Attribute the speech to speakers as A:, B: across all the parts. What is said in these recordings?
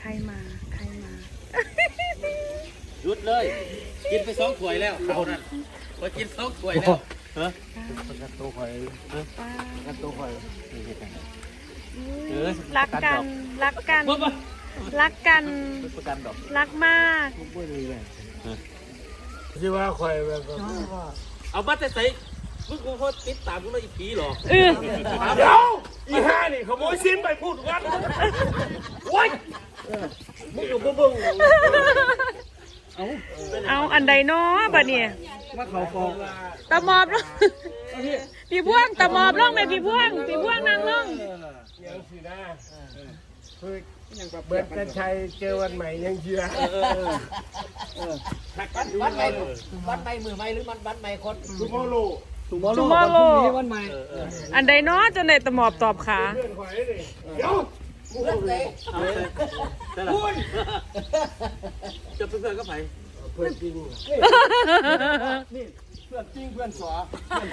A: มา
B: หยุดเลยกินไป2 ถ้วยแล้วเขานั่นพอกิน2 ถ้วยแล้วฮะประกันตัวข่อยประกันตัวข่อย
A: รักกันรักกันรักมาก
C: ที่ว่าข่อยแบบ
B: เอาบัตรใส่มึงคงเขาติดตามกูเลยอีผีหรอ
C: เดี๋ยวอีห่านี่ขโมยซิมไปพูดกันโอ๊ยมึงกับบึ้ง
A: เอาอันใดเนาะบัดนี้
C: มาเขาฟอง
A: ตะมอบลงพี่พ่วงตะมอบลงไหมพี่พ่วงนั่งลง
C: ยังสินะคือเบิร์ดกันชัยเจอวันใหม่ยังเชื่อ
B: วันใหม่มือใหม่หรือวันใหม่คน
C: ทุกโมโล
A: วันใหม่อันใดเนาะจนได้ตะมอบตอบขา
C: เพื่อนข่อยเลยเดี๋ยว
B: เพื่อนเลยจะเพื่อนก็ไป
C: เพื่อนจริงนี่เพื่อนจริงเพื่อนสว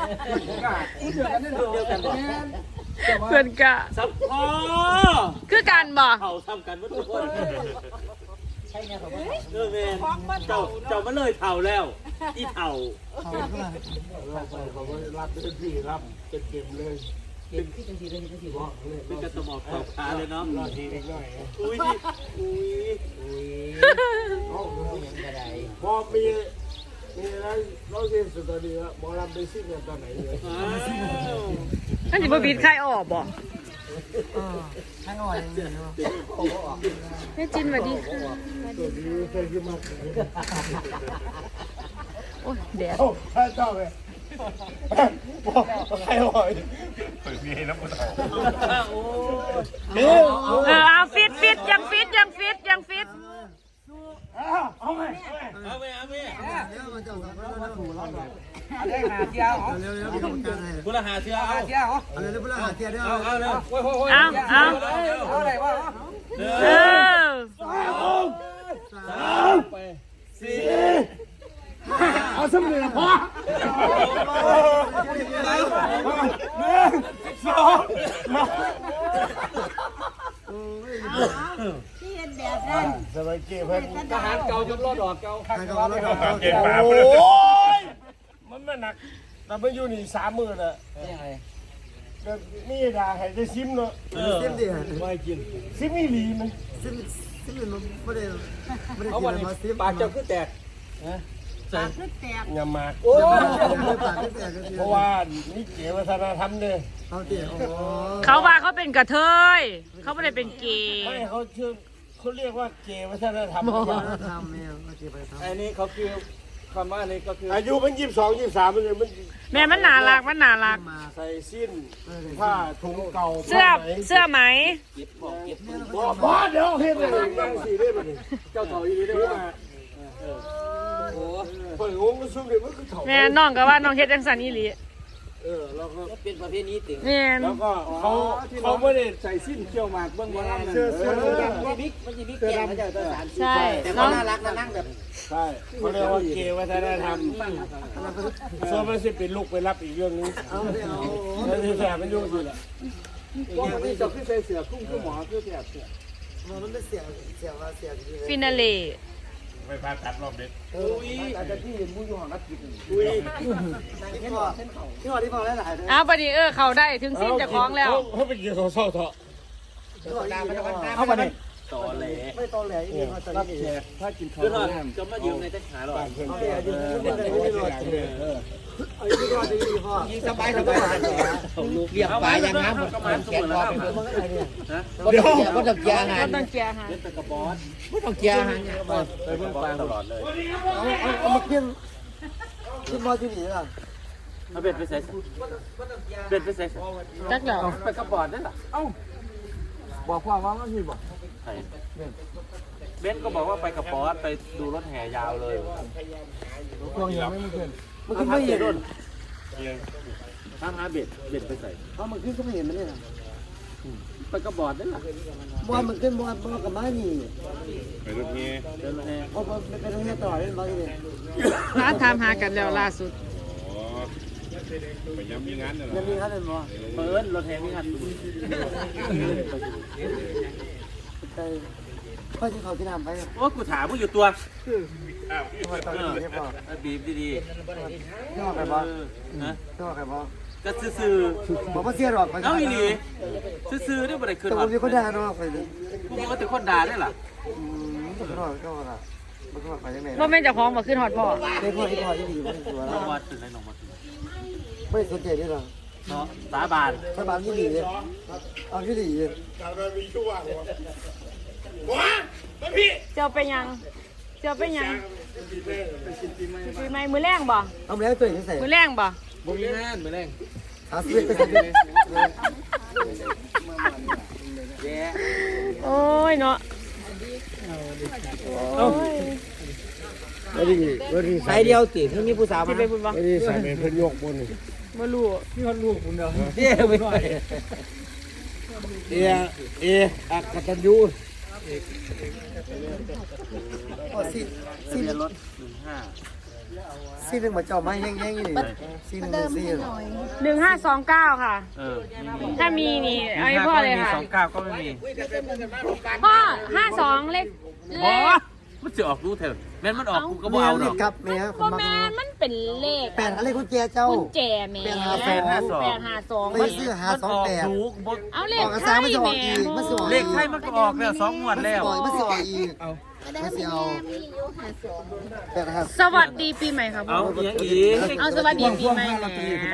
A: เพื่อนกะ
B: สับพอ
A: คือกันบ่
B: เขาทำกันเมื่อทุกคนใช่ไงผมเมนเจ้ามาเลยเท่าแล้วอีเท่า
C: เขารับเป็นพี่รับเป็นเก็บเลย
B: เป็นที่จังสีเลยจังสีบอกเป็นกระสมอบตอบขาเลยเนาะ
C: รอทีนิดหน่อย
B: อุ้ย
C: พอมีแล้วเราเรียนสุดตอนนี้ว่าหมอลำไปซิ่งกันตอนไหนเลย
A: ท่านจิบบิดใครออกบ่
C: ใครอ่อยอย่างนี้เนาะ
A: แม่จินสวัสดีค่ะ
C: ตัวนี้เคยขึ้นมา
A: โอ้ยแดด
C: ใช่ชอบเลยใครอ่อยเปิดมีให้น้ำมัน
A: เอาฟิตยังฟิต
C: เอาไหม
B: ได้หาเที่ยวคุณละหาเที่ยวเอาเลย
A: เอา
B: อะไรวะ
C: 3 4 เอาสำเร็จพอ
D: ที่เห็นแบบนั้น
C: สบายเก็บเพิ่น
B: ทหารเก่าจนรอดออกเก่า
C: เก็บปากโอ้ยมันหนักแต่มันอยู่นี่30,000น่ะนี่ด่าให้ได้ซิมเนาะ
E: ซิมดิ
C: ไม่กินซิมอีหลีมัน
E: ซิมมันไม่ได้
B: เอาวันนี้ปากเจ้าคือแตก
D: ปากคือแตก
C: อย่ามา
B: โอ้
C: เพราะว่านี่เกี่ยววัฒนธรรมเนี่ย
A: เขาว่าเขาเป็นกระเทยเขาไม่ได้เป็นเกย์
C: ไม่เขาเรียกว่าเกี่ยววัฒนธรรม
B: อันนี้เขาคือคำว่านี้ก็คือ
C: อายุมัน22 23มันเลยมัน
A: แม่มันน่ารัก
C: ใส่สิ้นผ้าถุงเก่า
A: เสื้อไหม
C: บ้าเดี๋ยวเห็นเลยยังสีได้ป่ะนี่
B: เจ้าเถ่าอีนี้ได้ว่า
C: โอ้เปิดงงมันซุ่มเลยมันคือเถ่า
A: แม่น้องก็ว่าน้องเฮ็ดจังสันอีหลี
B: แล้วก็เป็นประเภทนี้ติ่ง
C: แล้วก็เขาไม่ได้ใส่สิ้นเกี่ยวหมากเบื้องบนนั่นเลย
B: มันจะมีเกย์มันจะตัวสาร
A: ใช่
B: แต่เขาน่ารักนั่งแบบ
C: ใช่เขาเรียกว่าเกย์วัฒนธรรมส่วนมันจะเป็นลูกไปรับอีกเรื่องนึงแล้วที่แสบมันยุ่งสิแหละ
B: ก็ที่จะขึ้นใส่เสือคุ้มคือหมอคือแสบเสือ
E: มันเป็นเสีย
A: ฟินาเล่
C: ไปพาตัดรอบเด็ก
B: อาจจะที่มุ้ยอยู่ห้องรับกิน
E: ที่พอได้หลายเลย
A: บัดนี้เขาได้ถึงสิ้นจะคล้องแล้ว
C: เขาไปกินเขาเศร้าเถอะ
B: เอาไปเลยตอแหล
E: ไม่ตอแหลอีก
B: รับแขกถ้ากินข้าวจะมายืมในเต้นขาหรอยิงสบายลูกเรียกปลาอย่างน้ำแขกรอเดี๋ยวก็ต้องเกียร์อาหาร
A: ต้องเกียร์อาหาร
B: กระบอสไม่ต้องเกียร์อาหารไปเพิ่งปลาตลอดเลย
E: เอามากินมาที่นี่ล่ะ
B: เอาเบ็ดไปใส่เบ็ดไปใส่
A: จักเหรอ
B: ไปกระบอสนั่นแหละเอ้า
E: บอกความว่ามันมีบอก
B: เบนก็บอกว่าไปกับบอสไปดูรถแห่ยาวเลย
E: กองยังไม่เห็น
B: มันขึ้นไม่เห็นทำหาเบ็ดไปใส่
E: เพราะมันขึ้นก็ไม่เห็นมันเลย
B: ไปกับบอสนั่นแหละ
E: บอลมันขึ้นบอลกับม้านี่
C: ไปรถแห่
E: เพราะมันเป็นรถแห่ต่อเล่นบอลนี่
A: ร้านทำหากันแล้วล่าสุด
C: ไปย้ำมีงานเนี่ยหรอ
E: ยังมีงานเป็นบ่
B: เปิดรถแห่มีงาน
E: พ่อที่เขาที่นำไป
B: โอ้กูถามมึงอยู่ตัว
E: พ่อตอนนี้ใช่ป่ะ
B: บีบดี
E: ชอบใครบ้าง
B: ๆนะ
E: ชอบใครบ้าง
B: ก็ซื่อ
E: บอกว่าเสียหรอก
B: ๆเอาอีหลีซื่อๆเนี่ยบ่ได้ขึ้น
E: แต่
B: หร
E: ผ
B: อ
E: มมีคนด่าเนาะไปเลย
B: กูบอกว่าแต่คนด่าได้ล่ะ
E: ก็รอดก็รอดมันก็ไปยังไง
A: ว่าแม่นเจ้าของบ่ขึ้นฮอดพ่อ
E: ได้พ่อที่พ่อที่ดีไม่ตัว
B: น้
E: แล้
B: อง
E: ว
B: วัดถึงไหนน้องวัดถึง
E: ไม่สนใจด้วยหรอ
B: เนาะสาบาน
E: ถ้าบ้านที่ดีเลยเอาที่ดีเลย
C: แต่มันมีช่วงว้ามาพี่
A: เจ้าเป็นหยังเจ้าเป็นหยังปีใหม่มื้อแรงบ่
E: เอาแล้วตัวเองใส่
A: มื้อแรงบ่
B: บ่มีงานมื้อแรง
E: หาซื้อไปใส่เลย
B: แย่
A: โอ้ยเนาะโอ้ย
E: วันนี้ใส่เดียวติที่มีผู้สาว
A: สิ
E: มา
A: ไปพุ่นบ่
C: ไม่ได้ใส่เป็นเพิ่นยกบนนี่
A: บ่รู้
E: เนี่ยไม่ไหวอักตันยูซีซี
B: เรียนรถ15
E: ซีหนึ่งมาเจ้าไม้แห้งๆนี่ซีหนึ่งซี
A: 1529ค่ะ ถ้ามีนี่เอาให้พ่อเลยค่ะ
B: 29ก็ไม่มี
A: พ่อ52เลข
B: บ่มันสิออกรู้เถอะแม่นมันออกกูก็บ่เอาดอก
E: ครับแม่ผ
A: บ่
E: มมา
A: แม่นมันเป็นเลข
E: แปดอะไรคุณแจเจ้า
A: กุญแจแม่
B: 852
E: ไปซื้อหา
B: มันออก
E: 28
B: ถูกบ่
A: เอาเล
E: อ
A: ข
E: อกกระ
A: ไท
E: ซ้าง
A: ย
E: มันจะออก
A: แม่
E: อีกมันจะออก
B: เลขไทยมันก็ออกแล้ว2งวดแล้ว
E: มันจะออกอีกมันจะเอา8
A: สวัสดีปีใหม่ครับ
B: เอาอีกอีก
A: เอาสวัสดีปีใหม่แหม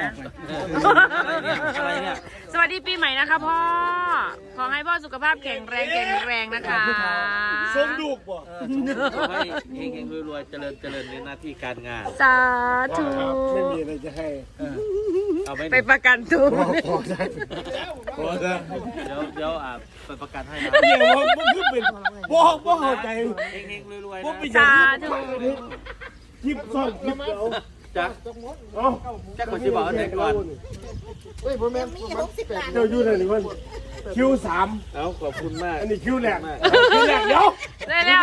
B: อะไรเนี่ย
A: สวัสดีปีใหม่นะคะพ่อ ขอให้พ่อสุขภาพแข็งแรงนะคะ
C: สมลูกบ่
B: ให้เฮงๆรวยๆเจริญในหน้าที่การงาน
A: สาธุ
C: ไม่มีอะไรจะให้
B: เอาไป
A: ไปประกันตัว
C: พอจะ
B: เดี๋ยวไปประกันให้นะ
C: เดี๋ยวมันคือเป็นบ่เข้าใจ
B: เฮงๆรวยๆ
C: บ่
B: นะ
C: เป็น
A: สาธุ
C: คลิปซ่อนคลิปเดียว
B: จัก
C: เอ้า
B: จักคนที่บอกว่าไหนก่อน
E: เฮ้ยผมแม่
C: เจ้าอยู่ไหนนี่เพิ่นคิว3
B: เอาขอบคุณมาก
C: อันนี้คิวแรกคิวแรกเดี๋ยว
A: ได้แล้ว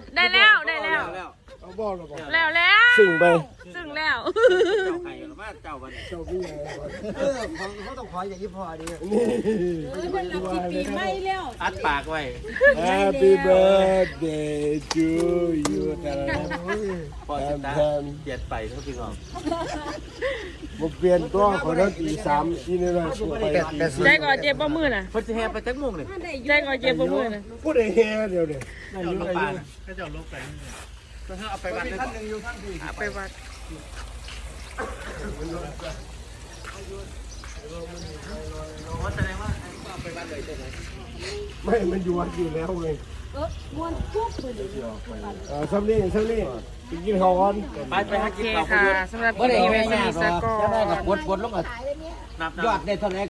C: เอาบ่หรอบ่
A: แล้ว
C: ซึ่งไป
A: ซึ่งแล้ว
B: เจ้าไข่หรือว่าเจ้าวันนี้
C: เจ้าพี่ใหญ่ก่อน
E: เขาต้องขออย่างนี้พอดี
D: ปีใหม่แล้ว
B: อัดปากไว้
C: Happy birthday to you
B: พอสิตาเจ็ดไปเท่าพี่น้อง
C: บ่เปลี่ยนตัวของเราตี3อีนี่เลยไป
A: ใจก่อนเจ็บบ่มือน่ะ
B: เพิ่นสิแห่ไปจักโมงนี่
A: ใจก่อนเจ็บบ่มือน่ะ
C: พูดได้แฮ่เดี๋ยวนี้
B: เจ้าลงไปเจ้าลงไปเอาไปวัดเลยก่อน
A: ไปวัด
B: แสดงว่าเอาไปวัดเลยใช่ไหม
C: ไม่มันอยู่วัดอยู่แล้วไง
D: มวนปุ๊บเลย
C: ซ้ำนี่ไปกินข้าวก่อน
B: ไปหา
A: โอ
B: กิน
A: เค
B: ข้าว
A: ค่ะ
B: เยอะ
A: สำหรับปีใหม่วันนี้สกอร์
E: บดลง
B: นับ
E: ยอดได้เท่าไหร่